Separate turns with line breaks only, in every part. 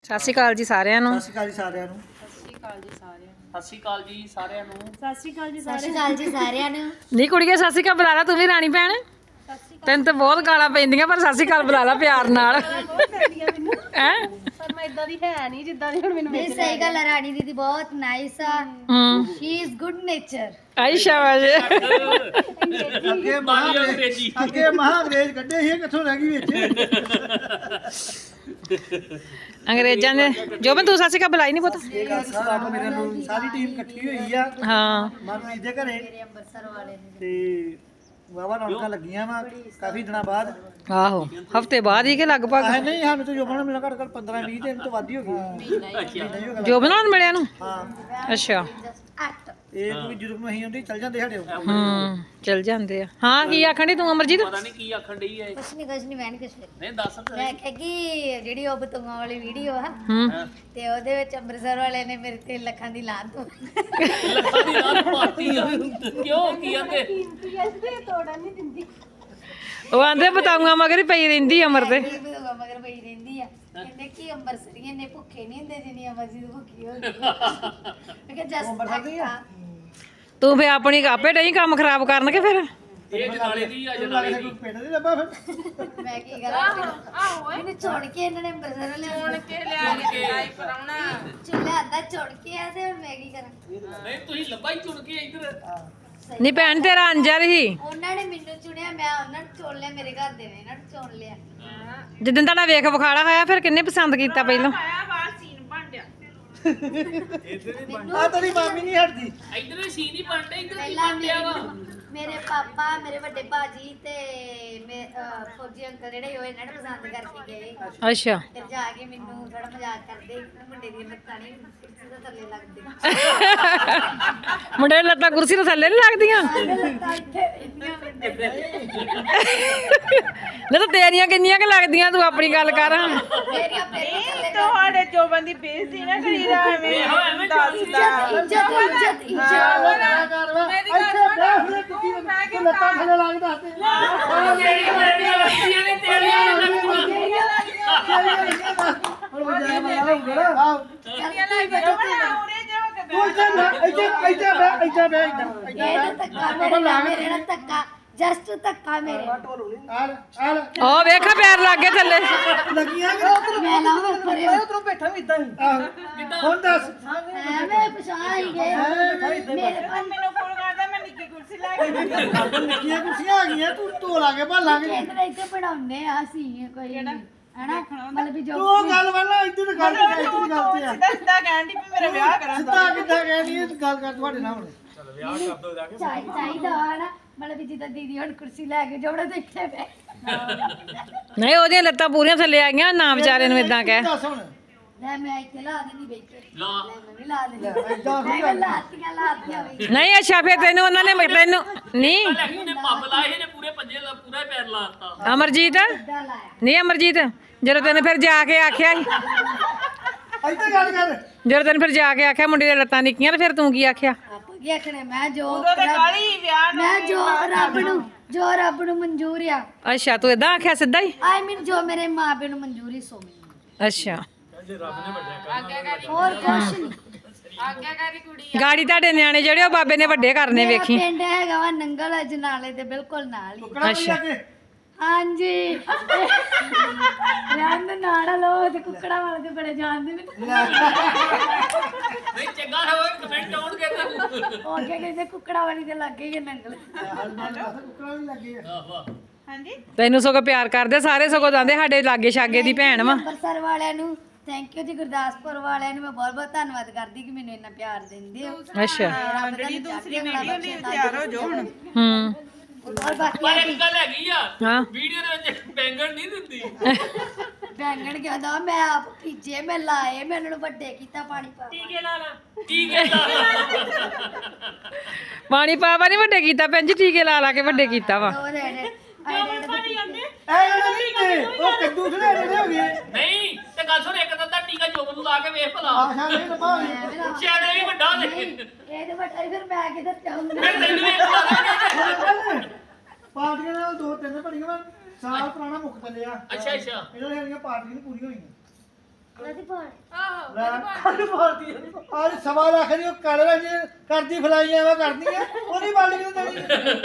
ਸਤਿ ਸ਼੍ਰੀ ਅਕਾਲ ਜੀ ਸਾਰਿਆਂ ਨੂੰ।
ਸਤਿ ਸ਼੍ਰੀ ਅਕਾਲ ਜੀ ਸਾਰਿਆਂ ਨੂੰ।
ਸਤਿ ਸ਼੍ਰੀ ਅਕਾਲ ਜੀ ਸਾਰਿਆਂ ਨੂੰ।
ਸਤਿ ਸ਼੍ਰੀ ਅਕਾਲ ਜੀ ਸਾਰਿਆਂ ਨੂੰ।
ਨਹੀਂ ਕੁੜੀਏ ਸਤਿ ਸ਼੍ਰੀ ਅਕਾਲ ਬੁਲਾ ਲਾ ਤੂੰ ਵੀ ਰਾਣੀ ਭੈਣ। ਤੈਨੂੰ ਤਾਂ ਬਹੁਤ ਗਾਲਾਂ ਪੈਂਦੀਆਂ ਪਰ ਸਤਿ ਸ਼੍ਰੀ ਅਕਾਲ ਬੁਲਾ ਲਾ ਪਿਆਰ ਨਾਲ। ਹੈ
ਪਰ ਮੈਂ ਇਦਾਂ ਦੀ ਹੈ ਨਹੀਂ ਜਿੱਦਾਂ ਦੀ ਹੁਣ ਮੈਨੂੰ ਨਹੀਂ ਸਹੀ ਗੱਲ ਹੈ। ਰਾਣੀ ਦੀਦੀ ਬਹੁਤ ਨਾਈਸ ਆ। She is good nature.
ਆਈ ਸ਼ਾਬਾਸ਼।
ਅੱਗੇ ਮਹਾਂਗਰੇਜ਼ ਕੱਢੇ ਸੀ, ਕਿੱਥੋਂ ਰਹਿ ਗਈ ਵਿੱਚ।
ਅੰਗਰੇਜ਼ਾਂ ਦੇ ਜੋ ਮੈਂ ਤੂੰ ਸਤਿ ਸ਼੍ਰੀ ਅਕਾਲ ਬੁਲਾਈ ਨਹੀਂ ਪੁੱਤ।
ਮੇਰੇ ਨੂੰ ਸਾਰੀ ਟੀਮ ਇਕੱਠੀ ਹੋਈ ਆ
ਹਾਂ
ਮਨਪ੍ਰੀਤ ਦੇ ਘਰੇ
ਅੰਮ੍ਰਿਤਸਰ ਵਾਲੇ ਨੇ
ਤੇ ਵਾਵਾ ਰੌਣਕਾਂ ਲੱਗੀਆਂ ਵਾ ਕਾਫੀ ਦਿਨਾਂ ਬਾਅਦ।
ਆਹੋ ਹਫਤੇ ਬਾਅਦ ਹੀ ਕਿ ਲਗਭਗ।
ਨਹੀਂ ਸਾਨੂੰ ਤਾਂ ਜੋਬਨ ਨੂੰ ਮਿਲਣਾ ਘੱਟ ਘੱਟ 15-20 ਦਿਨ ਤੋਂ ਵੱਧ ਹੀ ਹੋ ਗਈ।
ਜੋ ਬਣਾਉਣ ਮਿਲਿਆ ਨੂੰ।
ਹਾਂ
ਅੱਛਾ
ਇਹ ਕੋਈ ਜਦੋਂ ਨੂੰ ਅਸੀਂ ਆਉਂਦੇ ਚੱਲ ਜਾਂਦੇ ਸਾਡੇ ਕੋਲ।
ਚਲ ਜਾਂਦੇ ਆ। ਹਾਂ ਕੀ ਆਖਣ ਡਈ ਤੂੰ ਅਮਰਜੀਤ?
ਪਤਾ ਨਹੀਂ ਕੀ ਆਖਣ ਡਈ ਹੈ।
ਕੁਛ ਨਹੀਂ ਮੈਂ ਨਹੀਂ ਕੁਛ
ਨਹੀਂ ਦੱਸ
ਮੈਂ ਕਿਹਾ ਕਿ ਜਿਹੜੀ ਉਹ ਬਤੂਆਂ ਵਾਲੀ ਵੀਡੀਓ ਆ
ਹੂੰ
ਤੇ ਉਹਦੇ ਵਿੱਚ ਅੰਮ੍ਰਿਤਸਰ ਵਾਲੇ ਨੇ ਮੇਰੇ ਤੇ ਲੱਖਾਂ ਦੀ ਲਾਤ
ਲੱਖਾਂ ਦੀ ਰਾਤ ਪਾਤੀ ਆ। ਕਿਉਂ ਕੀ ਆਂਦੇ?
ਤੋੜਨ ਨਹੀਂ ਦਿੰਦੀ।
ਉਹ ਆਂਦੇ ਬਤਾਉਂਗਾ ਮਗਰ ਹੀ ਪਈ ਰਹਿੰਦੀ ਅਮਰ ਤੇ।
ਬਤੂਆਂ ਮਗਰ ਪਈ ਰਹਿੰਦੀ ਆ। ਕਹਿੰਦੇ ਕਿ ਅੰਮ੍ਰਿਤਸਰੀਏ ਨੇ ਭੁੱਖੇ ਨਹੀਂ ਹੁੰਦੇ ਜਿੰਨੀ ਅਮਰਜੀਤ ਭੁੱਖੀ ਹੁੰਦੀ ਮੈਂ ਕਿਹਾ ਜਸਟ
ਤੂੰ ਫੇ ਆਪਣੀ ਆਪੇ ਨਹੀਂ ਕੰਮ ਖਰਾਬ ਕਰਨ ਕੇ ਫਿਰ।
ਇਹ ਜਨਾਲੇ ਦੀ ਆ ਜਨਾਲੇ ਦੀ।
ਪਿੰਡ ਦੇ ਲੱਭਾ ਫਿਰ
ਮੈਂ ਕੀ ਕਰਾਂ ਮੈਨੂੰ ਛੋੜ ਕੇ ਇਹਨਾਂ ਨੇ ਅੰਮ੍ਰਿਤਸਰ ਵਾਲੇ ਛੋੜ ਕੇ ਲਿਆ ਚੁੱਲ੍ਹਾ ਅੱਧਾ ਛੋੜ ਕੇ ਆ ਤੇ ਹੁਣ ਮੈਂ ਕੀ ਕਰਾਂ।
ਨਹੀਂ ਤੁਸੀਂ ਲੱਭਾ ਹੀ ਚੁਣ ਕੇ ਇੱਧਰ।
ਨਹੀਂ ਭੈਣ ਤੇਰਾ ਅੰਜਰ ਹੀ
ਉਹਨਾਂ ਨੇ ਮੈਨੂੰ ਚੁਣਿਆ ਮੈਂ ਉਹਨਾਂ ਨੂੰ ਚੁਣ ਲਿਆ। ਮੇਰੇ ਘਰ ਦੇ ਨੇ ਇਹਨਾਂ ਨੂੰ ਚੁਣ ਲਿਆ।
ਜਿੱਦਣ ਤੁਹਾਡਾ ਵੇਖ ਵਿਖਾੜਾ ਹੋਇਆ ਫਿਰ ਕਿੰਨੇ ਪਸੰਦ ਕੀਤਾ ਪਹਿਲਾਂ?
ਆ ਤੇਰੀ ਮਾਮੀ ਨਹੀਂ ਹਟਦੀ।
ਇੱਧਰ ਵੀ ਸੀਨ ਹੀ ਬਣਦਾ ਇੱਧਰ ਕੀ
ਪਹਿਲਾਂ
ਬਣਿਆ ਵਾ?
ਮੇਰੇ ਪਾਪਾ ਮੇਰੇ ਵੱਡੇ ਭਾਜੀ ਤੇ ਫੌਜੀ ਅੰਕਲ ਜਿਹੜੇ ਹੋਏ ਇਹਨਾਂ ਨੇ ਪਸੰਦ ਕਰਕੇ ਗਏ।
ਅੱਛਾ
ਫਿਰ ਜਾ ਕੇ ਮੈਨੂੰ ਥੋੜਾ ਮਜ਼ਾਕ ਕਰਦੇ ਮੁੰਡੇ ਦੀਆਂ ਲੱਤਾਂ ਨਹੀਂ ਕੁਰਸੀ ਦੇ ਥੱਲੇ ਲੱਗਦੇ।
ਮੁੰਡੇ ਦੀ ਲੱਤਾਂ ਕੁਰਸੀ ਤੋਂ ਥੱਲੇ ਨਹੀਂ ਲੱਗਦੀਆਂ?
ਲੱਤਾਂ ਇੱਥੇ ਇੰਨੀਆਂ ਵੱਡੀਆਂ।
ਨਹੀਂ ਤਾਂ ਤੇਰੀਆਂ ਕਿੰਨੀਆਂ ਕਿ ਲੱਗਦੀਆਂ ਤੂੰ ਆਪਣੀ ਗੱਲ ਕਰ ਹਾਂ।
ਮੇਰੀਆਂ ਪੇਟਾਂ ਥੱਲੇ
ਤੁਹਾਡੇ ਜੋਬਨ ਦੀ ਬੇਇੱਜ਼ਤੀ ਨਾ ਕਰੀ ਜਾ ਐਵੇਂ ਦੱਸਦਾ
ਇੱਜ਼ਤ
ਇੱਥੇ ਬੈਠ ਲੈ ਕਿੱਡੀ ਤੂੰ ਲੱਤਾਂ ਥੱਲੇ ਲਾ ਕੇ ਦੱਸ ਦੇ। ਹੁਣ ਵਜਾਇਆ ਮਾਰਾ ਹੋਊਗਾ ਨਾ। ਇੱਥੇ ਬੈ
ਇਹ ਧੱਕਾ ਮੇਰੇ ਨਾਲ ਧੱਕਾ ਜਸਟ ਧੱਕਾ ਮੇਰੇ
ਆਲ
ਉਹ ਵੇਖਾ ਪੈਰ ਲੱਗ ਗਏ ਥੱਲੇ।
ਲੱਗੀਆਂ ਕਿ
ਮੈਂ ਲਾਵਾਂ ਪਰੇ
ਉਧਰੋਂ ਬੈਠਾ ਵੀ ਇਦਾਂ ਹੀ। ਹੁਣ ਦੱਸ
ਐਵੇਂ ਪਛਾਣ ਹੀ ਗਏ ਮੇਰੇ ਕੋਲ
ਮੈਨੂੰ ਫੋਨ ਕਰਦਾ ਮੈਂ ਨਿੱਕੀ ਕੁਰਸੀ ਲੈ ਕੇ
ਨਿੱਕੀਆਂ ਕੁਰਸੀਆਂ ਆ ਗਈਆਂ ਤੂੰ ਢੋ ਲਾ ਕੇ ਭਾਲਾਂਗੇ।
ਕਹਿੰਦੇ ਇੱਥੇ ਪੜਾਉਂਦੇ ਆ ਅਸੀਂ ਕੋਈ ਹਨਾ ਮਤਲਬ ਵੀ ਜੋ
ਤੂੰ ਗੱਲ ਵਾਲਾ ਇੱਧਰ ਗੱਲ ਤੇ ਆ, ਇੱਧਰ ਗੱਲ ਤੇ ਆ।
ਸਿੱਧਾ ਸਿੱਧਾ ਕਹਿਣ ਦੀ ਵੀ ਮੇਰਾ ਵਿਆਹ ਕਰਾਂ
ਸਿੱਧਾ ਕਿੱਦਾਂ ਕਹਿਣੀ ਇਹ ਗੱਲ ਕਰ ਤੁਹਾਡੇ ਨਾਲ ਹੁਣ।
ਚਾਹੀਦਾ ਹਨਾ ਮਤਲਬ ਵੀ ਜਿੱਦਾਂ ਦੀਦੀ ਹੁਣ ਕੁਰਸੀ ਲੈ ਕੇ ਜੋੜਾ ਤੇ ਇੱਥੇ ਬੈ
ਨਹੀਂ ਉਹਦੀਆਂ ਲੱਤਾਂ ਪੂਰੀਆਂ ਥੱਲੇ ਆ ਗਈਆਂ ਨਾ ਵਿਚਾਰੇ ਨੂੰ ਇਦਾਂ ਕਹਿ।
ਦੱਸ ਹੁਣ
ਲੈ ਮੈਂ ਇੱਥੇ ਲਾ ਦੇਣੀ ਬੈਠੇ
ਲਾ।
ਮੈਂ ਵੀ ਲਾ ਦੇਣੀ
ਏਦਾਂ ਥੋੜ੍ਹੀ
ਮੈਂ ਲਾਤੀਆਂ ਵੀ
ਨਹੀਂ ਅੱਛਾ ਫਿਰ ਤੈਨੂੰ ਉਹਨਾਂ ਨੇ ਤੈਨੂੰ ਨਹੀਂ
ਲੈ ਕੇ ਉਹਨੇ ਪੱਬ ਲਾਏ ਇਹਨੇ ਪੂਰੇ ਪੰਜੇ ਲਾ ਪੂਰਾ ਹੀ ਪੈਰ ਲਾਤਾ।
ਅਮਰਜੀਤ
ਇੱਦਾਂ ਲਾਇਆ
ਨਹੀਂ ਅਮਰਜੀਤ ਜਦੋਂ ਤੈਨੂੰ ਫਿਰ ਜਾ ਕੇ ਆਖਿਆ ਸੀ
ਇੱਧਰ ਗੱਲ ਕਰ।
ਜਦੋਂ ਤੈਨੂੰ ਫਿਰ ਜਾ ਕੇ ਆਖਿਆ ਮੁੰਡੇ ਦੀਆਂ ਲੱਤਾਂ ਨਿੱਕੀਆਂ ਤੇ ਫਿਰ ਤੂੰ ਕੀ ਆਖਿਆ?
ਆਪਾਂ ਕੀ ਆਖਣੇ ਮੈਂ ਜੋ
ਉਦੋਂ ਤੇ ਕਾਲੀ ਵਿਆਹ ਨੂੰ
ਮੈਂ ਜੋ ਰੱਬ ਨੂੰ ਮਨਜ਼ੂਰ ਆ
ਅੱਛਾ ਤੂੰ ਇਦਾਂ ਆਖਿਆ ਸਿੱਧਾ ਹੀ?
ਆਈ ਮੀਨ ਜੋ ਮੇਰੇ ਮਾਪੇ ਨੂੰ ਮਨਜ਼ੂਰੀ ਸੋ ਮੈਨੂੰ
ਅੱਛਾ
ਹੋਰ ਕੁਛ ਨਹੀਂ।
ਗਾੜੀ ਤੁਹਾਡੇ ਨਿਆਣੇ ਜਿਹੜੇ ਉਹ ਬਾਬੇ ਨੇ ਵੱਡੇ ਕਰਨੇ
ਮੇਰਾ
ਵੇਖੀ।
ਪਿੰਡ ਹੈਗਾ ਵਾ ਨੰਗਲ ਅਜਨਾਲੇ ਦੇ ਬਿਲਕੁਲ ਨਾਲ ਹੀ।
ਕੁਕੜਾ ਵੀ ਲੱਗੇ
ਹਾਂਜੀ ਰਹਿਣ ਦੇ ਨਾੜਾ ਲੋ ਤੇ ਕੁੱਕੜਾ ਵਾਲੇ ਤੇ ਬੜੇ ਜਾਣਦੇ ਮੈਨੂੰ
ਨਹੀਂ ਚੰਗਾ ਹੋਵੇ ਕਮੈਂਟ ਆਉਣਗੇ ਤੈਨੂੰ।
ਉਹ ਅੱਗੇ ਕਹਿੰਦੇ ਕੁੱਕੜਾ ਵਾਲੀ ਦੇ ਲੱਗੇ ਹੀ ਆ ਨੰਗਲ।
ਕੁਕੜਾ ਵੀ ਲੱਗੇ ਆ।
ਵਾਹ
ਹਾਂਜੀ
ਤੈਨੂੰ ਸਗੋਂ ਪਿਆਰ ਕਰਦੇ ਸਾਰੇ ਸਗੋਂ ਜਾਂਦੇ ਸਾਡੇ ਲਾਗੇ ਛਾਗੇ ਦੀ ਭੈਣ ਵਾ।
ਅੰਮ੍ਰਿਤਸਰ ਵਾਲਿਆਂ ਨੂੰ ਥੈਂਕ ਯੂ ਜੀ। ਗੁਰਦਾਸਪੁਰ ਵਾਲਿਆਂ ਨੂੰ ਮੈਂ ਬਹੁਤ ਬਹੁਤ ਧੰਨਵਾਦ ਕਰਦੀ ਕਿ ਮੈਨੂੰ ਇੰਨਾ ਪਿਆਰ ਦਿੰਦੇ ਹੋ।
ਅੱਛਾ
ਜਿਹੜੀ ਦੂਸਰੀ ਵੀਡੀਓ ਲਈ ਤਿਆਰ ਹੋ ਜਾਓ ਹੁਣ।
ਹੂੰ
ਔਰ ਬਾਕੀ
ਪਰ ਇੱਕ ਗੱਲ ਹੈਗੀ ਆ
ਹਾਂ
ਵੀਡੀਓ ਦੇ ਵਿੱਚ ਬੈਂਗਣ ਨਹੀਂ ਦਿੰਦੀ।
ਬੈਂਗਣ ਕਹਿੰਦਾ ਮੈਂ ਆਪ ਭੀਜੇ ਮੈਂ ਲਾਏ ਮੈਂ ਉਹਨਾਂ ਨੂੰ ਵੱਡੇ ਕੀਤਾ ਪਾਣੀ ਪਾ
ਟੀਕੇ ਲਾ ਲਾ ਟੀਕੇ ਲਾ ਲਾ।
ਪਾਣੀ ਪਾਵਾ ਨਹੀਂ ਵੱਡੇ ਕੀਤਾ ਭੈਣ ਜੀ ਟੀਕੇ ਲਾ ਲਾ ਕੇ ਵੱਡੇ ਕੀਤਾ ਵਾ।
ਉਹ ਰਹਿਣੇ
ਉਹ ਕੱਦੂ ਥੋੜੇ ਹੋ ਗਏ।
ਨਹੀਂ ਤੇ ਗੱਲ ਸੁਣ ਇੱਕ ਤਾਂ ਟੀਕਾ ਜੋਬਨ ਨੂੰ ਲਾ ਕੇ ਵੇਖ ਭਲਾ।
ਆਸ਼ਾ ਨਹੀਂ ਲੱਭਾ
ਸ਼ਾਇਦ ਇਹ ਵੀ ਵੱਡਾ ਦੇ।
ਇਹ ਤੇ ਵੱਡਾ ਹੀ ਫਿਰ ਮੈਂ ਕਿਧਰ ਚਾਹੂੰਗਾ।
ਫਿਰ ਤੈਨੂੰ ਵੀ ਇੱਕ ਲਾ ਦਾਂਗੇ।
ਪਾਰਟੀਆਂ ਨਾਲ 2-3 ਬੜੀਆਂ ਵਾ ਸਾਲ ਪੁਰਾਣਾ ਮੁੱਕ ਚੱਲਿਆ।
ਅੱਛਾ ਅੱਛਾ
ਇਹਨਾਂ ਦੀਆਂ ਪਾਰਟੀਆਂ ਨਹੀਂ ਪੂਰੀਆਂ ਹੋਈਆਂ।
ਉਹਦੀ ਪਾਲ
ਕੱਲ ਪਾਲਦੀ ਅੱਜ 1.5 ਲੱਖ ਦੀ ਉਹ ਕਾਲੇ ਰੰਗ ਦੀ ਕਰਦੀ ਫਲਾਈਆਂ ਵਾ ਕਰਦੀਆਂ ਉਹਦੀ ਬਾਲਟੀ ਨੂੰ ਦੇਣੀ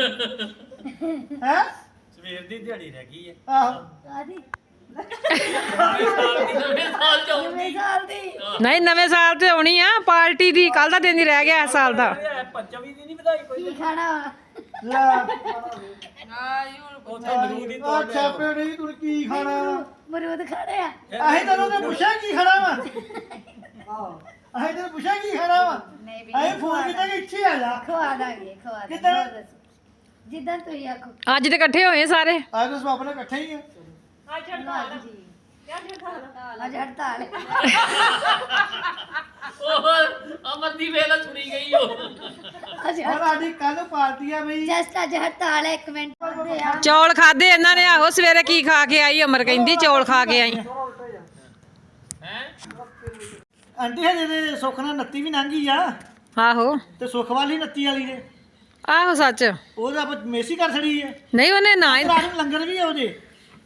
ਹੈ
ਸਵੇਰ ਦੀ ਦਿਹਾੜੀ ਰਹਿ ਗਈ ਹੈ
ਆਹੋ
ਆਦੀ
ਨਵੇਂ ਸਾਲ ਚ ਆਉਂਦੀ
ਨਵੇਂ ਸਾਲ ਦੀ
ਨਹੀਂ ਨਵੇਂ ਸਾਲ ਤੇ ਆਉਣੀ ਆ ਪਾਰਟੀ ਦੀ ਕੱਲ ਦਾ ਦਿਨ ਹੀ ਰਹਿ ਗਿਆ ਇਸ ਸਾਲ ਦਾ
ਪੰਚਮੀ ਦੀ ਨਹੀਂ ਵਧਾਈ ਕੋਈ
ਕੀ ਖਾਣਾ ਵਾ?
ਲੈ
ਉੱਥੇ ਮਰੂਦ ਦੀ ਤੋੜ
ਅੱਛਾ ਪੇੜੀ ਤੂੰ ਕੀ ਖਾਣਾ
ਮਰੂਦ ਖਾਣੇ ਆ
ਅਸੀਂ ਤੈਨੂੰ ਤੇ ਪੁੱਛਿਆ ਕੀ ਖਾਣਾ ਵਾ ਅਸੀਂ ਤੈਨੂੰ ਪੁੱਛਿਆ ਕੀ ਖਾਣਾ ਵਾ
ਨਹੀਂ ਵੀ
ਅਸੀਂ ਫੋਨ ਕੀਤਾ ਕਿ ਇੱਥੇ ਆ ਜਾ
ਖਵਾ ਦਾਂਗੇ
ਕਿੱਦਾਂ?
ਹੋਰ ਦੱਸੋ। ਜਿੱਦਾਂ ਤੁਸੀਂ ਆਖੋ
ਅੱਜ ਤੇ ਇਕੱਠੇ ਹੋਏ ਸਾਰੇ
ਅੱਜ ਤਾਂ ਸਭ ਨੇ ਇਕੱਠੇ ਹੀ ਆ
ਹਾਂਜੀ ਅੱਜ ਹੜਤਾਲ ਹੈ।
ਉਹ ਅਮਰ ਦੀ ਵੇਲਾ ਸੁਣੀ ਗਈ ਉਹ
ਅੱਜ
ਔਰ ਸਾਡੀ ਕੱਲ ਪਾਰਟੀ ਆ ਬਈ
ਜਸਟ ਅੱਜ ਹੜਤਾਲ ਹੈ 1 ਮਿੰਟ ਕਰਦੇ ਆ
ਚੌਲ ਖਾਦੇ ਇਹਨਾਂ ਨੇ ਆਹੋ ਸਵੇਰੇ ਕੀ ਖਾ ਕੇ ਆਈ ਅਮਰ ਕਹਿੰਦੀ ਚੌਲ ਖਾ ਕੇ ਆਈ
ਹੈ
ਆਂਟੀ ਹਜੇ ਦੇ ਸੁੱਖ ਨਾਲ 29 ਵੀ ਲੰਘੀ ਆ
ਆਹੋ
ਤੇ ਸੁੱਖ ਵਾਲੀ 29 ਵਾਲੀ ਨੇ
ਆਹੋ ਸੱਚ
ਉਹਦਾ ਆਪਾਂ ਮੇਸੀ ਕਰ ਛੜੀ ਆ
ਨਹੀਂ ਉਹਨੇ ਨਾ ਹੀ
ਰਾਤ ਨੂੰ ਲੰਗਰ ਵੀ ਆ ਉਹਦੇ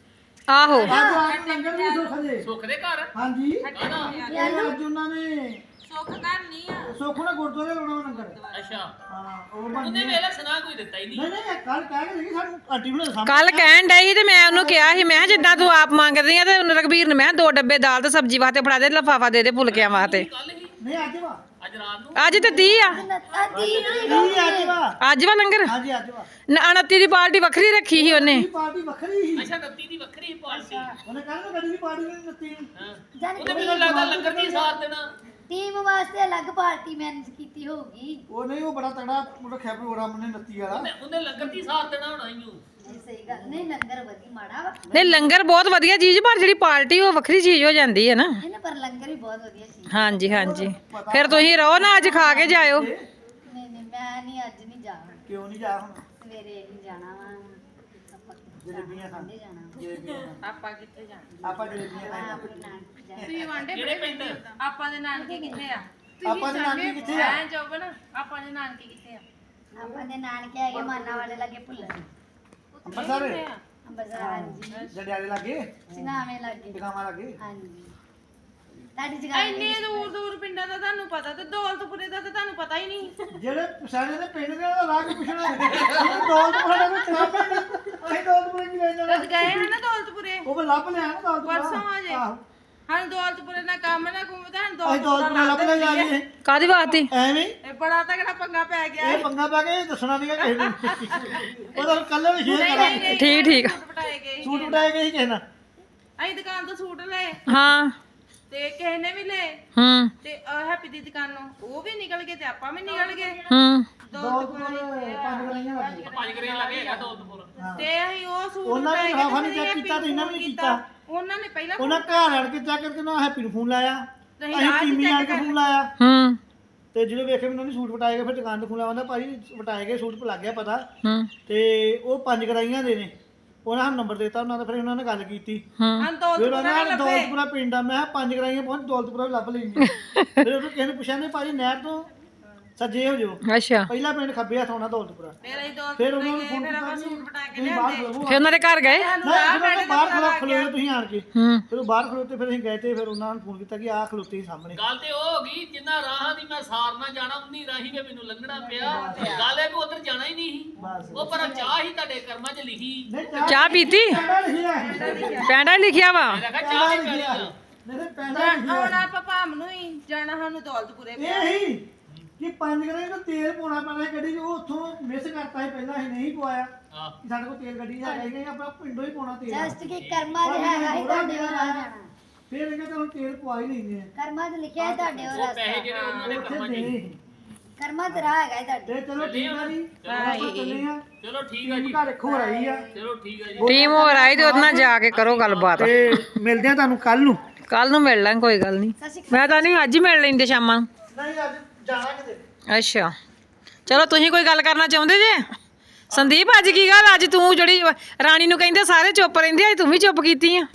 ਆਹੋ
ਅੱਜ ਰਾਤ ਨੂੰ ਲੰਗਰ ਵੀ ਸੁੱਖ ਦੇ
ਸੁੱਖ ਦੇ ਘਰ
ਹਾਂਜੀ ਇਹ ਅੱਜ ਉਹਨਾਂ ਨੇ
ਸੁੱਖ ਘਰ ਨਹੀਂ ਆ
ਸੁੱਖ ਨੇ ਗੁਰਦੁਆਰੇ ਲਾਉਣਾ ਵਾ ਲੰਗਰ
ਅੱਛਾ
ਹਾਂ ਉਹ ਬਣ
ਉਹਨੇ ਵੇਲਾ ਸੁਣਾ ਕੋਈ ਦਿੱਤਾ ਹੀ ਨਹੀਂ
ਨਹੀਂ ਨਹੀਂ ਕੱਲ ਕਹਿ ਕੇ ਦੇਖੀ ਸਾਨੂੰ ਆਂਟੀ ਨੂੰ ਸਾਹਮਣੇ
ਕੱਲ ਕਹਿਣ ਡਈ ਸੀ ਤੇ ਮੈਂ ਉਹਨੂੰ ਕਿਹਾ ਸੀ ਮੈਂ ਕਿਹਾ ਜਿੱਦਾਂ ਤੂੰ ਆਪ ਮੰਗਦੀ ਆ ਤੇ ਉਹਨੇ ਰਘਬੀਰ ਨੂੰ ਮੈਂ ਕਿਹਾ 2 ਡੱਬੇ ਦਾਲ ਤੇ ਸਬਜ਼ੀ ਵਾਸਤੇ ਫੜਾ ਦੇ ਲਿਫਾਫਾ ਦੇ ਦੇ ਫੁਲਕਿਆਂ ਵਾਸਤੇ
ਕੱਲ ਹੀ
ਨਹੀਂ ਅੱਜ ਵਾ
ਅੱਜ ਰਾਤ ਨੂੰ
ਅੱਜ ਤੇ 30 ਆ
ਆਦੀ ਨੂੰ
ਇਹ ਅੱਜ ਵਾ
ਅੱਜ ਵਾ ਲੰਗਰ
ਹਾਂਜੀ ਅੱਜ ਵਾ
29 ਦੀ ਪਾਰਟੀ ਵੱਖਰੀ ਰੱਖੀ ਸੀ ਉਹਨੇ
ਇਹ ਪਾਰਟੀ ਵੱਖਰੀ ਸੀ
ਅੱਛਾ 29 ਦੀ ਵੱਖਰੀ ਪਾਰਟੀ
ਉਹਨੇ ਕਹਿੰਦਾ ਗੱਡੀ ਦੀ ਪਾਰਟੀ ਨਹੀਂ ਦਿੱਤੀ
ਹਾਂ ਉਹਨੇ ਮੈਨੂੰ ਲੱਗਦਾ ਲੰਗਰ ਦੀ ਸਾਰ ਦੇਣਾ
ਟੀਮ ਵਾਸਤੇ ਅਲੱਗ ਪਾਰਟੀ ਮੈਨੇਜ ਕੀਤੀ ਹੋਊਗੀ
ਉਹ ਨਹੀਂ ਉਹ ਬੜਾ ਤਗੜਾ ਰੱਖਿਆ ਪ੍ਰੋਗਰਾਮ ਨੇ 29 ਵਾਲਾ
ਉਹਨੇ ਲੰਗਰ ਦੀ ਸਾਰ ਦੇਣਾ ਹੋਣਾ ਹੀ
ਨਹੀਂ ਸਹੀ ਗੱਲ ਨਹੀਂ ਲੰਗਰ ਵਧੀ ਮਾੜਾ ਵਾ
ਨਹੀਂ ਲੰਗਰ ਬਹੁਤ ਵਧੀਆ ਚੀਜ਼ ਪਰ ਜਿਹੜੀ ਪਾਰਟੀ ਉਹ ਵੱਖਰੀ ਚੀਜ਼ ਹੋ ਜਾਂਦੀ ਹੈ ਨਾ
ਇਹ ਨਾ ਪਰ ਲੰਗਰ ਵੀ ਬਹੁਤ ਵਧੀਆ ਸੀ
ਹਾਂਜੀ ਹਾਂਜੀ ਫਿਰ ਤੁਸੀਂ ਰਹੋ ਨਾ ਅੱਜ ਖਾ ਕੇ ਜਾਇਓ
ਨਹੀਂ ਨਹੀਂ ਮੈਂ ਨਹੀਂ ਅੱਜ ਨਹੀਂ ਜਾਣਾ
ਕਿਉਂ ਨਹੀਂ ਜਾ ਹੁਣ
ਸਵੇਰੇ ਨਹੀਂ ਜਾਣਾ ਵਾ ਆਪਾਂ
ਜਲੇਬੀਆਂ ਖਾਣ
ਕਿੱਥੇ ਜਾਣਾ
ਜਲੇਬੀਆਂ ਖਾਣ।
ਆਪਾਂ ਕਿੱਥੇ ਜਾਣਾ
ਆਪਾਂ ਜਲੇਬੀਆਂ
ਮੈਂ
ਖਾਣ।
ਆਪਣੇ ਨਾਨਕੇ ਜਾਣਾ
ਤੁਸੀਂ ਵਾਂਡੇ
ਕਿਹੜੇ ਪਿੰਡ
ਆਪਾਂ ਦੇ ਨਾਨਕੇ ਕਿੱਥੇ ਆ
ਆਪਾਂ ਦੇ ਨਾਨਕੇ ਕਿੱਥੇ ਆ
ਐ ਜੋਬਨ ਆਪਾਂ ਦੇ ਨਾਨਕੇ ਕਿੱਥੇ ਆ
ਆਪਾਂ ਦੇ ਨਾਨਕੇ ਹੈਗੇ ਮਾਨਾ ਵਾਲੇ ਲੱਗੇ ਭੁੱਲਰ
ਅੰਮ੍ਰਿਤਸਰ
ਅੰਬਰਸਰ ਹਾਂਜੀ
ਜੜਿਆਲੇ ਲੱਗੇ
ਚਨਾਵੇਂ ਲੱਗੇ
ਟਿਕਾਵਾਂ ਲੱਗੇ
ਹਾਂਜੀ ਤੁਹਾਡੀ ਜਗ੍ਹਾ
ਇੰਨੇ ਦੂਰ ਦੂਰ ਪਿੰਡਾਂ ਦਾ ਤੁਹਾਨੂੰ ਪਤਾ ਤੇ ਦੌਲਤਪੁਰੇ ਦਾ ਤਾਂ ਤੁਹਾਨੂੰ ਪਤਾ ਹੀ ਨਹੀਂ
ਜਿਹੜੇ ਸਾਡੇ ਦੇ ਪਿੰਡ ਦੇ ਉਹਦਾ ਰਾਹ ਪੁੱਛਣਾ ਇਹ ਦੌਲਤਪੁਰ ਦਾ ਕੋਈ ਕੰਮ ਹੀ ਨਹੀਂ ਅਸੀਂ ਦੌਲਤਪੁਰ ਕੀ ਲੈ ਜਾਣਾ
ਜਦ ਗਏ ਹਨ ਨਾ ਦੌਲਤਪੁਰੇ
ਉਹ ਮੈਂ ਲੱਭ ਲਿਆ ਨਾ ਦੌਲਤਪੁਰ
ਪਰਸੋਂ ਆ ਜੇ
ਆਹੋ।
ਹਾਂ ਦੌਲਤਪੁਰੇ ਨਾ ਕੰਮ ਨਾ ਘੁੰਮ ਤਾਂ
ਅਸੀਂ ਦੌਲਤਪੁਰ ਲੱਭ ਲੈ ਜਾ ਕੇ
ਕਾਦੀ ਵਾਸਤੇ
ਐਵੇਂ ਹੀ
ਇਹ ਬੜਾ ਤਗੜਾ ਪੰਗਾ ਪੈ ਗਿਆ
ਇਹ ਪੰਗਾ ਪਾ ਕੇ ਦੱਸਣਾ ਨਹੀਂਗਾ ਕਿਸੇ ਨੂੰ ਉਹਦਾ ਕੱਲ ਨੂੰ ਸ਼ੇਅਰ ਕਰਾਂਗੇ
ਠੀਕ ਠੀਕ
ਸੂਟ ਪਟਾਏ ਗਏ
ਸੂਟ ਉਟਾਏ ਗਏ ਸੀ ਕਿਸੇ ਨਾਲ
ਅਸੀਂ ਦੁਕਾਨ ਤੋਂ ਸੂਟ ਲਏ
ਹਾਂ
ਤੇ ਕਿਸੇ ਨੇ ਵੀ ਲਏ
ਹੂੰ
ਤੇ ਹੈਪੀ ਦੀ ਦੁਕਾਨੋਂ ਉਹ ਵੀ ਨਿਕਲ ਗਏ ਤੇ ਆਪਾਂ ਵੀ ਨਿਕਲ ਗਏ
ਹੂੰ
ਦੌਲਤਪੁਰ 5 ਗਲੀਆਂ ਲੱਗੀ
5 ਗਰੇ ਲੱਗੇ ਹੈਗਾ ਦੌਲਤਪੁਰ
ਤੇ ਅਸੀਂ ਉਹ ਸੂਟ
ਉਹਨਾਂ ਨੇ
ਪਟਾਏ ਗਏ
ਲਿਫਾਫਾ
ਤੇ
ਨਹੀਂ ਚੈੱਕ
ਹੈਪੀ
ਕੀਤਾ ਤੇ ਇਹਨਾਂ
ਨੂੰ
ਨੇ
ਫੋਨ
ਕੀਤਾ
ਉਹਨਾਂ ਨੇ ਪਹਿਲਾਂ
ਉਹਨਾਂ ਘਰ ਆਣ ਕੇ ਚੈੱਕ ਕਰਕੇ ਨਾ ਹੈਪੀ ਨੂੰ ਫੋਨ ਲਾਇਆ
ਨਹੀਂ,
ਅਸੀਂ
ਰਾਹ 'ਚ
ਟੀਮੀ ਆਣ ਕੇ
check
ਫੋਨ ਲਾਇਆ
ਹੂੰ
ਤੇ ਜਦੋਂ ਵੇਖੇ ਮੈਨੂੰ ਨਹੀਂ ਸੂਟ ਵਟਾਏ ਗਏ ਫਿਰ ਦੁਕਾਨ ਤੋਂ ਫੋਨ ਲਾਇਆ ਭਾਈ ਵਟਾਏ ਗਏ ਸੂਟ ਲੱਗ ਗਿਆ ਪਤਾ
ਹੂੰ
ਤੇ ਉਹ 5 ਗਰਾਈਆਂ ਦੇ ਨੇ ਉਹਨਾਂ ਨੂੰ ਨੰਬਰ ਦਿੱਤਾ ਉਹਨਾਂ ਦਾ ਫਿਰ ਉਹਨਾਂ ਨੇ ਗੱਲ ਕੀਤੀ
ਹੂੰ
ਹਾਂ
ਫਿਰ
ਦੌਲਤਪੁਰਾ
ਉਹਨਾਂ ਨੇ ਦੌਲਤਪੁਰਾ ਪਿੰਡ ਆ ਮੈਂ 5 ਗਰਾਈਆਂ ਪਹੁੰਚ ਦੌਲਤਪੁਰਾ ਵੀ ਲੱਭ ਲਈ ਫਿਰ ਉਹ ਕਿਸੇ ਨੇ ਪੁੱਛਿਆ ਨੇ ਭਾਜੀ ਨਹਿਰ ਤੋਂ ਸੱਜੇ ਹੋ ਜਾਓ
ਅੱਛਾ
ਪਹਿਲਾ ਪਿੰਡ ਖੱਬੇ ਹੱਥ ਆਉਣਾ ਦੌਲਤਪੁਰਾ
ਫਿਰ ਅਸੀਂ
ਫਿਰ
ਦੌਲਤਪੁਰੇ
ਉਹਨਾਂ ਨੂੰ
ਗਏ
ਫੋਨ
ਫਿਰ
ਕੀਤਾ
ਆਪਾਂ
ਕਿ
ਸੂਟ ਪਟਾ ਕੇ
ਤੁਸੀਂ ਬਾਹਰ
ਲਿਆਂਦੇ
ਖਲੋਵੋ
ਫਿਰ ਉਹਨਾਂ ਦੇ ਘਰ ਗਏ
ਸਾਨੂੰ
ਨਹੀਂ
ਰਾਹ
ਫਿਰ
ਬੈਠੇ
ਉਹ ਬਾਹਰ ਖਲੋਤੇ ਤੁਸੀਂ ਆਣ ਕੇ
ਹੂੰ
ਫਿਰ ਉਹ ਬਾਹਰ ਖਲੋਤੇ ਫਿਰ ਅਸੀਂ ਗਏ ਤੇ ਫਿਰ ਉਹਨਾਂ ਨੂੰ ਫੋਨ ਕੀਤਾ ਕਿ ਆਹ ਖਲੋਤੇ ਸੀ ਸਾਹਮਣੇ
ਗੱਲ ਤੇ ਉਹ ਹੋ ਗਈ ਜਿੰਨਾ ਰਾਹਾਂ ਦੀ ਮੈਂ ਸਾਰ ਨਾ ਜਾਣਾ ਉਨੀ ਰਾਹੀ ਕੇ ਮੈਨੂੰ ਲੰਘਣਾ ਪਿਆ ਗੱਲ ਇਹ ਵੀ ਉਧਰ ਜਾਣਾ ਹੀ ਨਹੀਂ ਸੀ
ਬਸ
ਉਹ ਪਰ ਚਾਹ ਹੀ ਤੁਹਾਡੇ ਕਰਮਾਂ 'ਚ ਲਿਖੀ
ਨਹੀਂ
ਚਾਹ ਪੀਤੀ
ਪੈਂਡਾ ਲਿਖਿਆ
ਪੈਂਡਾ ਹੀ ਲਿਖਿਆ ਵਾ
ਮੈਂ ਕਿਹਾ ਚਾਹ ਹੀ ਪੈਣੀ ਆ
ਨਹੀਂ ਪੈਂਡਾ ਲਿਖਿਆ
ਹੁਣ ਆਪਾਂ ਭਾਮ ਨੂੰ ਹੀ ਜਾਣਾ ਸਾਨੂੰ ਦੌਲਤਪੁਰੇ
ਇਹ ਹੀ ਕਿ 5 ਗਰੇ ਨੂੰ ਤੇਲ ਪਾਉਣਾ ਪੈਣਾ ਸੀ ਗੱਡੀ 'ਚ ਉਹ ਉੱਥੋਂ ਮਿਸ ਕਰਤਾ ਸੀ ਪਹਿਲਾਂ ਅਸੀਂ ਨਹੀਂ ਪਵਾਇਆ
ਹਾਂ
ਕਿ ਸਾਡੇ ਕੋਲ ਤੇਲ ਗੱਡੀ 'ਚ ਹੈਗਾ ਹੀ ਨਹੀਂ ਆਪਾਂ ਪਿੰਡੋਂ ਹੀ ਪਾਉਣਾ ਤੇਲ
ਜਸਟ ਕਿ ਕਰਮਾਂ 'ਚ ਹੈਗਾ ਹੀ ਤੁਹਾਡੇ ਹੋਰ ਆ ਜਾਣਾ
ਫਿਰ ਇਹ ਕਹਿੰਦੇ ਹੁਣ ਤੇਲ ਪਵਾ ਹੀ ਲੈਂਦੇ ਆ
ਕਰਮਾਂ 'ਚ ਲਿਖਿਆ ਹੈ ਤੁਹਾਡੇ ਹੋਰ
ਉਹ ਪੈਸੇ ਜਿਹੜੇ ਉਹਨਾਂ ਨੇ
ਉੱਥੇ
ਕਰਮਾਂ 'ਚ
ਦੇਣੇ
ਹੀ।
ਸੀ।
ਕਰਮਾਂ 'ਚ ਰਾਹ ਹੈਗਾ ਹੀ ਤੁਹਾਡੇ
ਤੇ ਚਲੋ ਠੀਕ ਆ ਜੀ ਆਪਾਂ ਚੱਲੇ ਆ
ਚਲੋ ਠੀਕ ਆ ਜੀ
ਘਰ ਰੱਖੋ ਰਹੀ ਆ
ਚਲੋ ਠੀਕ ਆ ਜੀ
ਟੀਮ ਹੋਰ ਆਈ ਤੇ ਉਹਦੇ ਨਾਲ ਜਾ ਕੇ ਕਰੋ ਗੱਲਬਾਤ
ਤੇ ਮਿਲਦੇ ਆ ਤੁਹਾਨੂੰ ਕੱਲ ਨੂੰ
ਕੱਲ ਨੂੰ ਮਿਲ ਲਾਂਗੇ ਕੋਈ ਗੱਲ ਨਹੀਂ ਮੈਂ ਤਾਂ ਨਹੀਂ ਅੱਜ ਹੀ ਮਿਲ ਲੈਂਦੇ ਸ਼ਾਮਾਂ ਨੂੰ
ਨਹੀਂ ਅੱਜ ਜਾਣਾ ਕਿਤੇ
ਅੱਛਾ ਚਲੋ ਤੁਸੀਂ ਕੋਈ ਗੱਲ ਕਰਨਾ ਚਾਹੁੰਦੇ ਜੇ ਸੰਦੀਪ ਅੱਜ ਕੀ ਗੱਲ ਅੱਜ ਤੂੰ ਜਿਹੜੀ ਰਾਣੀ ਨੂੰ ਕਹਿੰਦੇ ਸਾਰੇ ਚੁੱਪ ਰਹਿੰਦੇ ਅੱਜ ਤੂੰ ਵੀ ਚੁੱਪ ਕੀਤੀ ਆ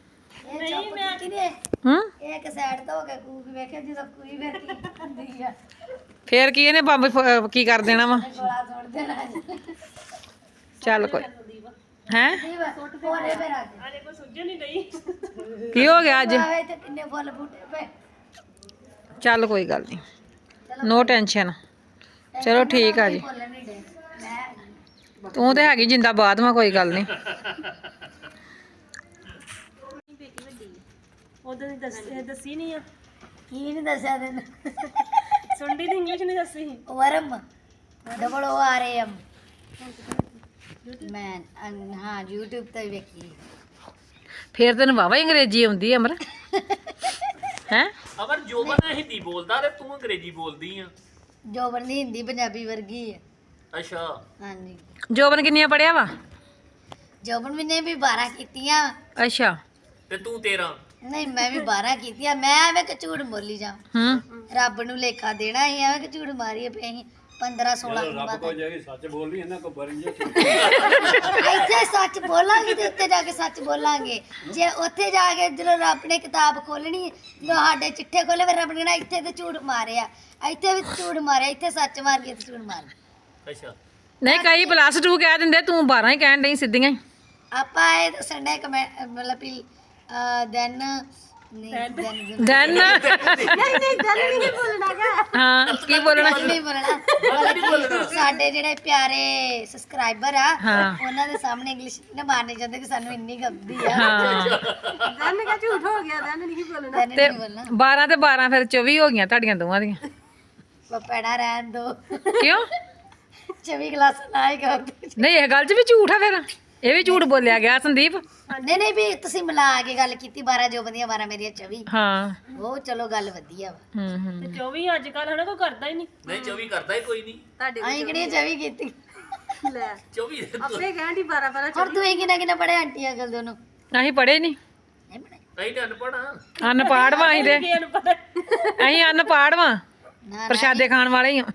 ਇਹ ਚੁੱਪ ਕੀਤੀ ਨੇ
ਹੂੰ
ਇਹ ਇੱਕ ਸਾਈਡ ਤੋਂ ਹੋ ਕੇ ਕੂਕ ਵੇਖਿਆ ਜਦੋਂ ਕੋਈ ਵੇਖੀ ਹੁੰਦੀ ਆ
ਫੇਰ ਕੀ ਇਹਨੇ ਬੰਬ ਕੀ ਕਰ ਦੇਣਾ ਵਾ
ਗੋਲਾ ਤੋੜ ਦੇਣਾ ਜੀ।
ਚੱਲ ਕੋਈ ਹੈ
ਹੋਰੇ ਮੇਰਾ
ਆਲੇ ਕੋਈ ਸੁੱਝਣ ਨਹੀਂ ਗਈ
ਕੀ ਹੋ ਗਿਆ ਅੱਜ
ਆਵੇ ਤੇ ਕਿੰਨੇ ਫੁੱਲ ਬੂਟੇ ਪਏ
ਚੱਲ ਕੋਈ ਗੱਲ ਨਹੀਂ ਨੋ ਟੈਨਸ਼ਨ ਚਲੋ ਠੀਕ ਆ ਜੀ
ਫੁੱਲ ਨਹੀਂ ਡੇ ਮੈਂ
ਤੂੰ ਤੇ ਹੈਗੀ ਜਿੰਦਾਬਾਦ ਵਾ ਕੋਈ ਗੱਲ ਨਹੀਂ
ਉਦੋਂ ਦੀ ਦੱਸੀ ਨਹੀਂ ਆ
ਕੀ ਨਹੀਂ ਦੱਸਿਆ ਤੈਨੂੰ
ਸੁਣਦੀ ਦੀ ਇੰਗਲਿਸ਼ ਨਹੀਂ ਦੱਸੀ
ਵਰਮ double O R A M ਮੈਂ ਹਾਂ YouTube ਤੇ ਵੇਖੀ
ਫੇਰ ਤੈਨੂੰ ਵਾਵਾ ਅੰਗਰੇਜ਼ੀ ਆਉਂਦੀ ਆ ਅਮਰ ਹੈ
ਅਮਰ ਜੋਬਨ ਹਿੰਦੀ ਬੋਲਦਾ ਤੇ ਤੂੰ ਅੰਗਰੇਜ਼ੀ ਬੋਲਦੀ ਆ
ਜੋਬਨ ਦੀ ਹਿੰਦੀ ਪੰਜਾਬੀ ਵਰਗੀ ਹੈ
ਅੱਛਾ
ਹਾਂਜੀ
ਜੋਬਨ ਕਿੰਨੀਆਂ ਪੜਿਆ ਵਾ
ਜੋਬਨ ਵੀ ਨੇ ਵੀ 12 ਕੀਤੀਆਂ
ਤੇ
ਅੱਛਾ
ਤੂੰ 13
ਨਹੀਂ ਮੈਂ ਵੀ 12 ਕੀਤੀਆਂ ਮੈਂ ਐਵੇਂ ਕਿ ਝੂਠ ਬੋਲੀ ਜਾ
ਹੂੰ
ਰੱਬ ਨੂੰ ਲੇਖਾ ਦੇਣਾ ਸੀ ਐਵੇਂ ਕਿ ਝੂਠ ਮਾਰੀਏ ਪਏ ਅਸੀਂ 15 16 ਰੱਬ ਕੋ
ਜਾਈ ਸੱਚ ਬੋਲਣੀ ਇਹਨਾਂ ਕੋ ਬਰੀ
ਇੱਥੇ ਸੱਚ ਬੋਲਾਂਗੇ ਤੇ ਉੱਤੇ ਜਾ ਕੇ ਸੱਚ ਬੋਲਾਂਗੇ ਜੇ ਉੱਥੇ ਜਾ ਕੇ ਜਦੋਂ ਰੱਬ ਨੇ ਕਿਤਾਬ ਖੋਲਣੀ ਜਦੋਂ ਸਾਡੇ ਚਿੱਠੇ ਖੋਲੇ ਫਿਰ ਰੱਬ ਨੇ ਕਹਿਣਾ ਇੱਥੇ ਤੇ ਝੂਠ ਮਾਰਿਆ ਇੱਥੇ ਵੀ ਝੂਠ ਮਾਰਿਆ ਇੱਥੇ ਸੱਚ ਮਾਰ ਕੇ ਝੂਠ ਮਾਰ
ਅੱਛਾ
ਨਹੀਂ ਕਈ +2 ਕਹਿ ਦਿੰਦੇ ਤੂੰ 12 ਹੀ ਕਹਿਣ ਡਈ ਸਿੱਧੀਆਂ ਹੀ
ਆਪਾਂ ਇਹ ਦੱਸਣ ਦੇ ਕਮੈਂਟ ਮਤਲਬ ਵੀ ਦੈਨ
ਦੈਨ ਹਾਂ ਕੀ ਬੋਲਣਾ
ਨਹੀਂ ਬੋਲਣਾ ਸਾਡੇ ਜਿਹੜੇ ਪਿਆਰੇ ਸਬਸਕ੍ਰਾਈਬਰ ਆ
ਹਾਂ।
ਉਹਨਾਂ ਦੇ ਸਾਹਮਣੇ ਇੰਗਲਿਸ਼ ਨਾ ਮਾਰਨੇ ਚਾਹੁੰਦੇ ਕਿ ਸਾਨੂੰ ਇੰਨੀ ਗੰਦੀ ਆ
ਹਾਂ
ਦੰਨ ਕਾ ਝੂਠ ਹੋ ਗਿਆ ਦੰਨ ਨਹੀਂ ਬੋਲਣਾ
ਦੈਨ
ਤੇ
ਨਹੀਂ ਬੋਲਣਾ
12 ਤੇ 12 ਫਿਰ 24 ਹੋ ਗਈਆਂ ਤੁਹਾਡੀਆਂ ਦੋਵਾਂ ਦੀਆਂ
ਪਪੜਾ ਰਹਿਣ ਦੋ
ਕਿਉਂ
24 ਕਲਾਸ ਨਾ ਹੀ ਕਰ
ਨਹੀਂ ਇਹ ਗੱਲ 'ਚ ਵੀ ਝੂਠ ਆ ਫਿਰ ਇਹ ਵੀ ਝੂਠ ਬੋਲਿਆ ਗਿਆ ਸੰਦੀਪ
ਨਹੀਂ ਵੀ ਤੁਸੀਂ ਮਿਲਾ ਕੇ ਗੱਲ ਕੀਤੀ 12 ਜੋ ਬੰਦੀਆਂ 12 ਮੇਰੀਆਂ 24
ਹਾਂ
ਉਹ ਚਲੋ ਗੱਲ ਵਧੀਆ ਵਾ
ਹੂੰ
ਤੇ 24 ਅੱਜ ਕੱਲ ਹਨਾ ਕੋਈ ਕਰਦਾ ਹੀ ਨਹੀਂ
ਨਹੀਂ 24 ਕਰਦਾ ਹੀ ਕੋਈ ਨਹੀਂ
ਅਸੀਂ ਕਿਹੜੀਆਂ 24 ਕੀਤੀ
ਲੈ
24
ਆਪੇ ਕਹਿਣ ਦੀ 12 12
ਹੋਰ ਤੂੰ ਕਿੰਨਾ ਪੜਿਆ ਆਂਟੀ ਅੰਕਲ ਦੋਨੋਂ
ਅਸੀਂ ਪੜ੍ਹੇ ਨਹੀਂ
ਨਹੀਂ ਪੜਿਆ
ਨਹੀਂ ਤਾਂ ਅਨਪੜ੍ਹ ਆ
ਅਨਪਾੜ ਵਾਂ ਅਸੀਂ ਤੇ
ਇਹਨੂੰ ਪਤਾ
ਅਸੀਂ ਅਨਪਾੜ ਵਾਂ
ਨਾ
ਪ੍ਰਸ਼ਾਦੇ ਖਾਣ ਵਾਲੇ ਹੀ ਆ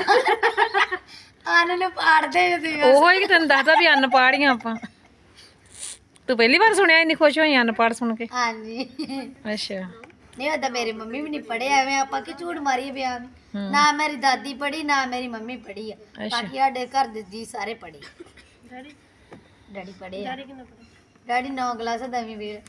ਆਨ ਨੂੰ ਪਾੜਦੇ ਤੁਸੀਂ
ਉਹੋ ਹੀ ਕਿ ਤੈਨੂੰ ਦੱਸਦਾ ਵੀ ਅਨਪਾੜ ਹੀ ਆ ਆਪਾਂ ਤੂੰ ਪਹਿਲੀ ਵਾਰ ਸੁਣਿਆ ਇੰਨੀ ਖੁਸ਼ ਹੋਈ ਅਨਪਾੜ ਸੁਣ ਕੇ
ਹਾਂਜੀ
ਅੱਛਾ
ਨਹੀਂ ਉਹਦਾ ਮੇਰੀ ਮੰਮੀ ਵੀ ਨਹੀਂ ਪੜਿਆ ਐਵੇਂ ਆਪਾਂ ਕਿ ਝੂਠ ਮਾਰੀਏ ਬਿਆਨ ਨਾ ਮੇਰੀ ਦਾਦੀ ਪੜੀ ਨਾ ਮੇਰੀ ਮੰਮੀ ਪੜੀ ਆ ਬਾਕੀ ਸਾਡੇ ਘਰ ਦੇ ਜੀ ਸਾਰੇ ਪੜੇ
ਡੈਡੀ
ਡੈਡੀ ਪੜੇ ਆ
ਡੈਡੀ ਕਿੰਨਾ ਪਤਾ
ਡੈਡੀ 9 ਕਲਾਸ ਦਵੀਂ ਵੇਲ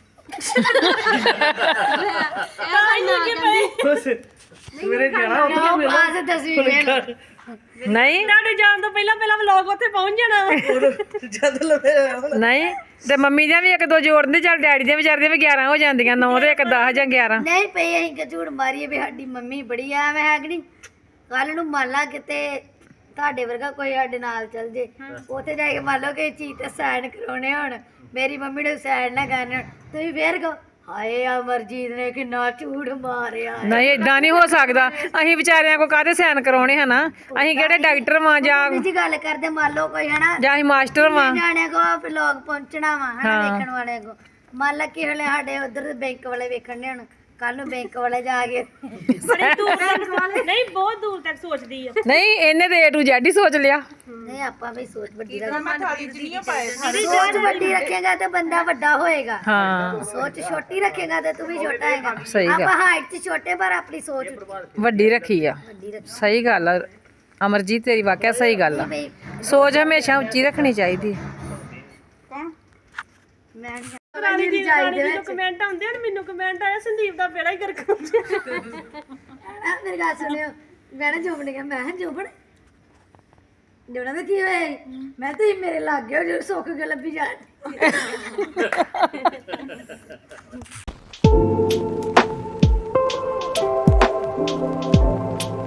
ਸਵੇਰੇ ਜਾਣਾ
ਨੌ ਕਲਾਸ 10ਵੀਂ ਵੇਲ
ਨਹੀਂ
ਤੁਹਾਡੇ ਜਾਣ ਤੋਂ ਪਹਿਲਾਂ ਪਹਿਲਾਂ ਵਲੌਗ ਉੱਥੇ ਪਹੁੰਚ ਜਾਣਾ ਵਾ।
ਜਦ ਲਵੇ
ਨਹੀਂ ਤੇ ਮੰਮੀ ਦੀਆਂ ਵੀ ਇੱਕ ਦੋ ਜੋੜਨ ਚੱਲ ਡੈਡੀ ਦੀਆਂ ਵਿਚਾਰ ਦੀਆਂ ਵੀ 11 ਹੋ ਜਾਂਦੀਆਂ 9 ਤੇ ਇੱਕ 10 ਜਾਂ 11
ਨਹੀਂ ਪਈ ਅਸੀਂ ਕਿ ਝੂਠ ਮਾਰੀਏ ਵੀ ਸਾਡੀ ਮੰਮੀ ਬੜੀ ਆ ਐਵੇਂ ਹੈ ਕਿ ਨਹੀਂ ਕੱਲ ਨੂੰ ਮੰਨ ਲਾ ਕਿਤੇ ਤੁਹਾਡੇ ਵਰਗਾ ਕੋਈ ਸਾਡੇ ਨਾਲ ਚੱਲ ਜੇ ਉੱਥੇ ਜਾ ਕੇ ਮੰਨ ਲਓ ਕਿ ਚੀਜ਼ ਤੇ ਸਾਈਨ ਕਰਾਉਣੇ ਹੋਣ ਮੇਰੀ ਮੰਮੀ ਨੇ ਸਾਈਨ ਨਾ ਕਰਨੇ ਹੋਣ ਤੁਸੀਂ ਫੇਰ ਕਹੋ ਹਾਏ ਅਮਰਜੀਤ ਨੇ ਕਿੰਨਾ ਝੂਠ ਮਾਰਿਆ
ਨਹੀਂ ਇਦਾਂ ਨਹੀਂ ਹੋ ਸਕਦਾ ਅਸੀਂ ਵਿਚਾਰਿਆਂ ਕੋ ਕਾਹਦੇ ਸਾਈਨ ਕਰਾਉਣੇ ਹਨਾ ਅਸੀਂ ਕਿਹੜੇ ਡਾਕਟਰ ਵਾਂ ਜਾਂ
ਜੀ ਗੱਲ ਕਰਦੇ ਮੰਨ ਲਓ ਕੋਈ ਹਨਾ
ਜਾਂ ਅਸੀਂ ਮਾਸਟਰ ਵਾਂ
ਨਿਆਣਿਆਂ ਕੋ ਵਲੋਗ ਪਹੁੰਚਣਾ ਵਾ ਹਨਾ ਵੇਖਣ ਵਾਲਿਆਂ ਕੋ ਮੰਨ ਲਾ ਕਿ ਹਲੇ ਸਾਡੇ ਉਧਰ ਬੈਂਕ ਵਾਲੇ ਵੇਖਣ ਨੇ ਹੁਣ ਕੱਲ ਨੂੰ ਬੈਂਕ ਵਾਲੇ ਜਾ ਕੇ
ਬੜੀ ਦੂਰ ਤੱਕ ਨਹੀਂ ਬਹੁਤ ਦੂਰ ਤੱਕ ਸੋਚਦੀ ਆ
ਨਹੀਂ ਇਹਨੇ ਤੇ A to Z ਹੀ ਸੋਚ ਲਿਆ
ਨਹੀਂ ਆਪਾਂ ਵੀ ਸੋਚ ਵੱਡੀ ਸੋਚ ਵੱਡੀ ਰੱਖੇਗਾ ਤੇ ਬੰਦਾ ਵੱਡਾ ਹੋਏਗਾ
ਹਾਂ
ਸੋਚ ਛੋਟੀ ਰੱਖੇਗਾ ਤੇ ਤੂੰ ਵੀ ਛੋਟਾ ਹੈਗਾ
ਸਹੀ ਗੱਲ।
ਆਪਾਂ ਹਾਈਟ 'ਚ ਛੋਟੇ ਪਰ ਆਪਣੀ ਸੋਚ
ਵੱਡੀ ਰੱਖੀ ਆ
ਵੱਡੀ ਰੱਖੀ
ਸਹੀ ਗੱਲ ਆ ਅਮਰਜੀਤ ਤੇਰੀ ਵਾਕਿਆ ਸਹੀ ਗੱਲ ਆ
ਬਈ
ਸੋਚ ਹਮੇਸ਼ਾ ਉੱਚੀ ਰੱਖਣੀ ਚਾਹੀਦੀ
ਮੈਂ
ਰਾਣੀ ਦੀ ਜੋ ਕਮੈਂਟ ਆਉਂਦੇ ਹਨ ਮੈਨੂੰ ਕਮੈਂਟ ਆਇਆ ਸੰਦੀਪ ਦਾ ਬੇੜਾ ਹੀ ਗਰਕ ਹੋ ਗਿਆ
ਮੇਰੀ ਗੱਲ ਸੁਣਿਓ ਮੈਂ ਨਾ ਜੋਬਨ ਨੇ ਕਿਹਾ ਮੈਂ ਕਿਹਾ ਜੋਬਨ ਜੋਬਨ ਦਾ ਕੀ ਹੋਇਆ ਈ? ਮੈਂ ਤੁਸੀਂ ਮੇਰੇ ਲੱਗ ਗਏ ਜੋ ਸੁੱਕ ਕੇ ਲੱਭੀ ਜਾਣ